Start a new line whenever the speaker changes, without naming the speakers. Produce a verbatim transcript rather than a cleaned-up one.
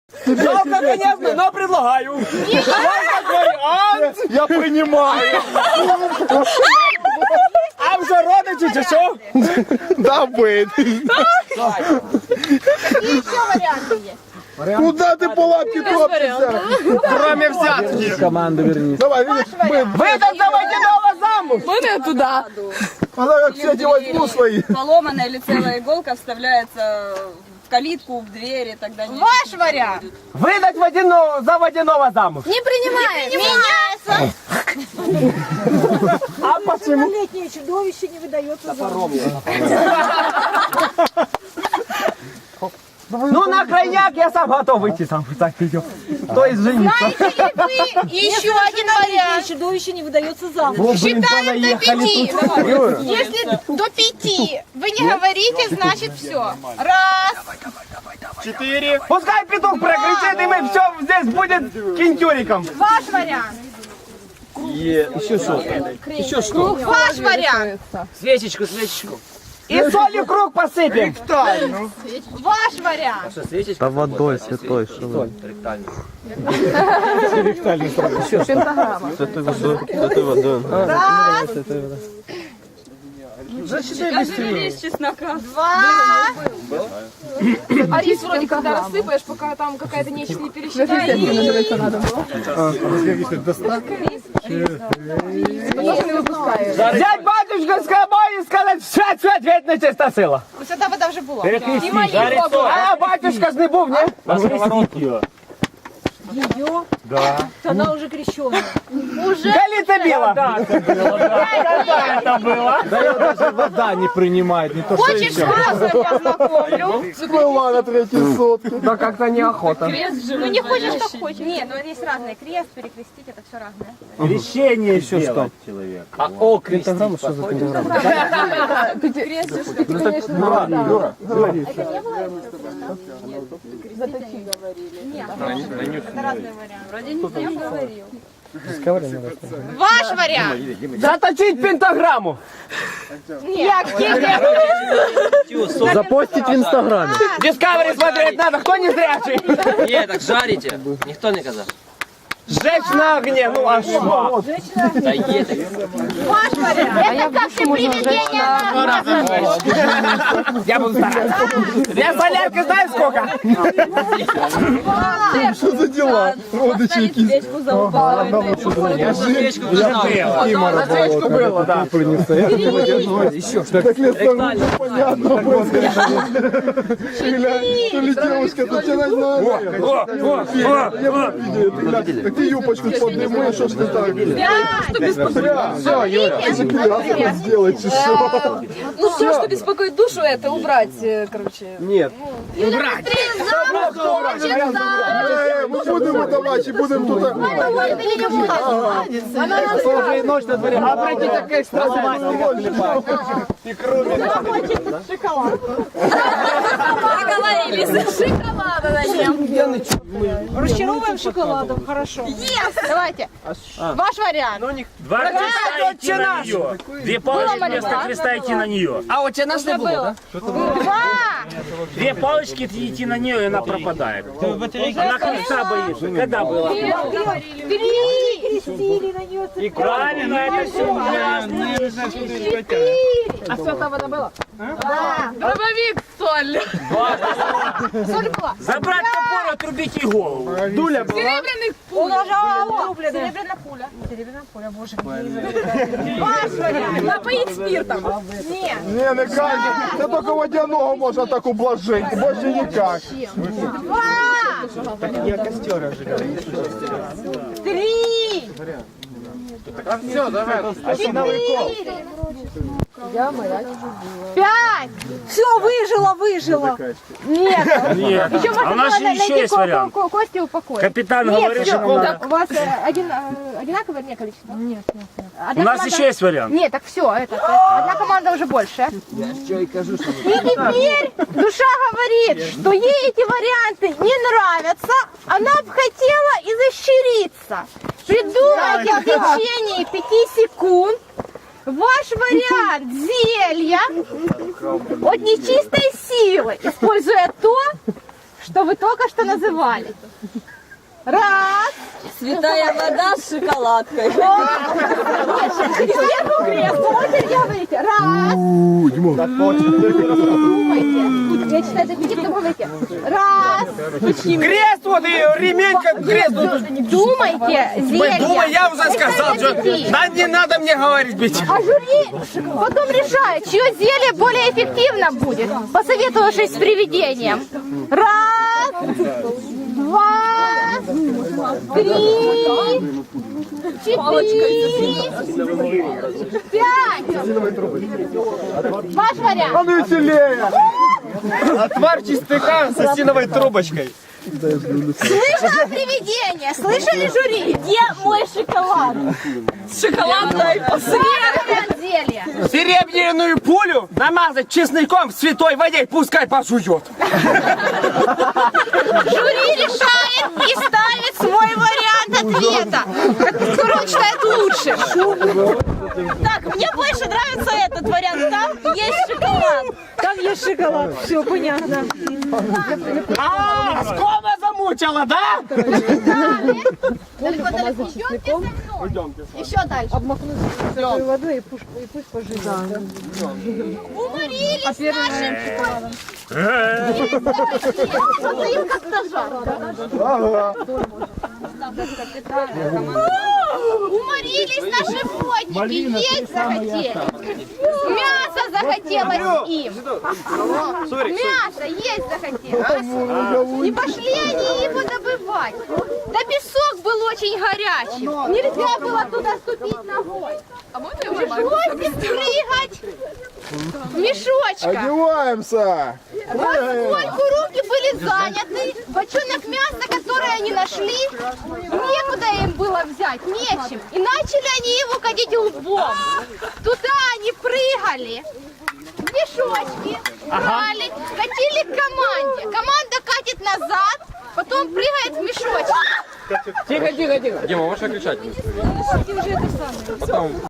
Жалко, конечно, но предлагаю. Вариант.
Я принимаю.
А вже родичі чи що?
Да, быть.
Какие еще варианты есть?
Куда ты по лапке топчешься?
Кроме взятки.
Команду вернись.
Давай, видишь, мы...
Выдать за водяного замуж.
Мы не туда.
Она как все возьму свои.
Поломанная или целая иголка вставляется в калитку, в двери, тогда не...
Ваш вариант.
Выдать водяного, за водяного замуж.
Не принимаем. Меняется.
А почему?
Летнее чудовище не выдается за
Ну, на крайняк я сам готов выйти сам. Так, идем. То есть жениться.
Знаете ли вы еще один вариант?
чудовище не выдается замуж.
О, блин,
Считаем до
понаехали
пяти.
тут.
Если до пяти вы не говорите, значит все. Раз.
Четыре.
Пускай петух прокричит, и мы все здесь будет кинтюриком.
Ваш вариант.
Еще что? Еще что?
Ваш вариант.
Свечечку, свечечку.
И солью круг посыпем.
Ваш вариант.
Да водой святой, что вы? Святой водой.
Раз.
Лист чеснока.
Два.
А рис вроде когда рассыпаешь, пока там какая-то нечто не пересчитает.
Взять батюшка с собой и сказать, все, все, ответь на чистосила.
Свята вода вже була.
А батюшка ж не був, ні?
Она уже крещеная.
Галіця біла.
Да ее даже вода не принимает, не то что
Хочешь сразу я знакомлю?
Была на третьей сотке.
Да как-то неохота.
Ну не хочешь, как хочешь. Нет, ну есть разные. Крест, перекрестить, это все разное.
крещение еще что? А о, крестограмма, что за пентаграмма?
Это разные варианты. Вроде не говорил.
Ваш вариант.
Заточить пентаграмму.
Нет,
Запостить в инстаграме.
Discovery смотреть надо, кто не зрячий.
Не, так жарите. Ніхто не казав.
Сжечь на огне, ну а что?
Та є так.
ваш вариант. Это как ты приведение на...
Я буду стараться. Я солярка знаю сколько?
Что за дела? Родичи какие.
Свечку залупала.
Я свечку пожинав.
На свечку было, да.
Так лет понятно. То ли девушка, то тебе надо. Так ты юбочку подниму, что ж ты так? Все, Юра. Сделать еще.
Ну все, что беспокоит душу, это убрать, э, короче.
Нет.
Мы будем выдавать и будем тут...
Уже и ночь на дворе. А пройти так экстра.
Договорились. Шоколада начнем.
Расчаровываем шоколадом, хорошо.
Давайте. Ваш вариант.
Два креста идти на нее. Две палочки вместо креста идти на нее.
А у тебя нас не было, да?
Два.
Две палочки идти на нее, и она пропадает. Она креста боится. Когда было?
Три.
Крестили на нее.
И правильно, это все
А святая вода была?
Дробовик, соль.
Соль была.
Забрать топор, отрубить ей голову.
Дуля была.
Серебряных пуля. Серебряная пуля. Серебряная пуля, боже. Ваш вариант.
Напоить спиртом.
Нет.
Не, не кажется. Да только водяного можно так ублажить. Больше никак.
Два.
Я костер ожигаю.
Три.
Все, давай.
Четыре. Пять.
Все, выжила, выжила.
Нет.
Нет.
Еще
А у нас же еще есть вариант.
Кости упокоить.
Капитан
Нет,
говорит,
все,
что...
так, у вас э, один, э, одинаковое не количество? Нет, нет, нет.
У нас еще есть вариант.
Нет, так все, это, одна команда уже больше. И теперь душа говорит, что ей эти варианты не нравятся, она бы хотела изощриться. Придумайте в течение пяти секунд ваш вариант зелья от нечистой силы, используя то, что вы только что называли. танцевали. Раз.
Святая вода с шоколадкой.
Сверху крест. Смотрите, говорите. Раз.
У, Димон.
Думайте. Я читаю, запишите, думайте. Раз.
Крест вот и ремень как крест.
Думайте, зелье.
Думай, я уже сказал, что... Да не надо мне говорить, бить.
А жюри потом решает, чье зелье более эффективно будет, посоветовавшись с привидением. Раз, два, три, четыре, пять. Ваш вариант.
А ну веселее.
Отвар чистяка с осиновой трубочкой.
Слышала привидение? Слышали жюри? Где мой шоколад?
Шоколадной.
Вариант зелья.
Серебряную пулю намазать чесноком в святой воде, пускай пожует.
Жюри решает и ставит свой вариант ответа. Кто считает лучше?
Так, мне больше нравится этот вариант. Там есть шоколад.
Там есть шоколад, все понятно.
А, скома замучила, да?
Далеко-далеко. Идемте со мной. Еще дальше.
Водой и пусть, и пусть поживет.
Уморились нашим шоколадом. Что-то им как-то жарко. Уморились наши водники, есть захотели. Мясо захотелось им. Мясо есть захотелось. И пошли они его добывать. Да песок был очень горячий. Нельзя было туда ступить ногой. Пришлось прыгать в мешочках.
Одеваемся.
Поскольку руки были заняты, бочонок мяса, который они нашли, некуда им было взять, нечем. И начали они его катить лбом. Туда они прыгали, в мешочки, брали, катили к команде. Команда катит назад, потом прыгает в мешочки.
Тихо, тихо, тихо.
Дима, можешь кричать?
Уже это самое.